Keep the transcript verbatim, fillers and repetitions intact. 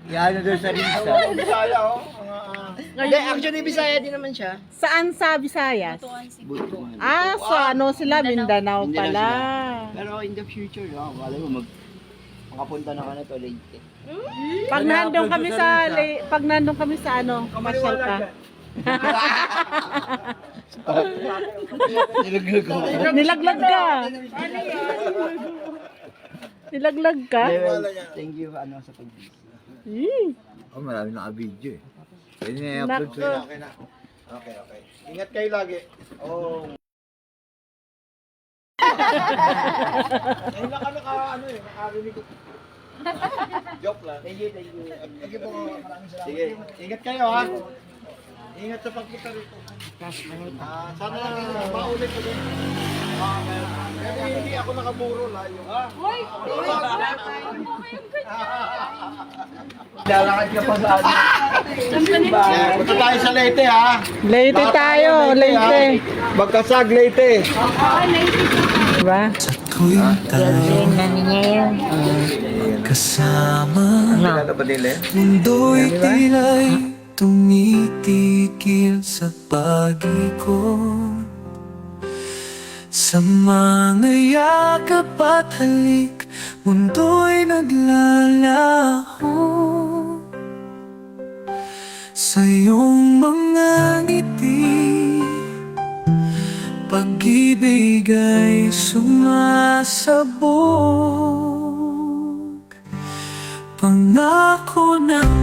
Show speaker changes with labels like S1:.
S1: Yan na doon sa Rinsa.
S2: Bisaya, oh. Mga, ah,
S3: Hindi, actually, Bisaya din naman siya.
S4: Saan sa Visayas?
S1: Butuan.
S4: Ah, sa ano sila, Mindanao
S1: Mindanao
S4: pala.
S1: Pero in the future, ah, wala mo mag makapunta na ka na to late.
S4: Pag nandun kami sa, li- pag nandun kami sa ano, pasyal ka.
S1: Nilaglag ko.
S4: Nilaglag ka. Nilaglag ka?
S1: Thank you ano sa pag-video.
S4: Eh,
S5: Oh, marami naka-video eh. Pwede na i-upload
S4: Nako.
S5: sa'yo.
S2: okay na. Okay, okay. Ingat kayo lagi. Oh. Ngayon lang ka naka, ano eh, nakarinig ko. Joke lang.
S1: Thank you, thank you.
S2: Sige po, maraming salamat.
S1: Sige.
S2: Ingat kayo ha. Ingat sa pagpunta rito. Ah, sana maulit ulit. Ah, pero hindi ako nakaburo layo. Ah,
S1: Lalakad ka pa sa ano.
S2: yeah, punta tayo sa Leyte ha.
S4: Leyte
S2: Lahat
S4: tayo,
S2: ha.
S4: Leyte.
S2: Magkasag Leyte.
S4: Diba?
S6: Kasama
S5: Kailan pa nila eh?
S6: mundo'y tila'y tumitigil sa pag-ikot. Sa mga yakap at halik, mundo'y naglalaho. Sa iyong mga ngiti, pag-ibig ay sumasabog. Pangako ng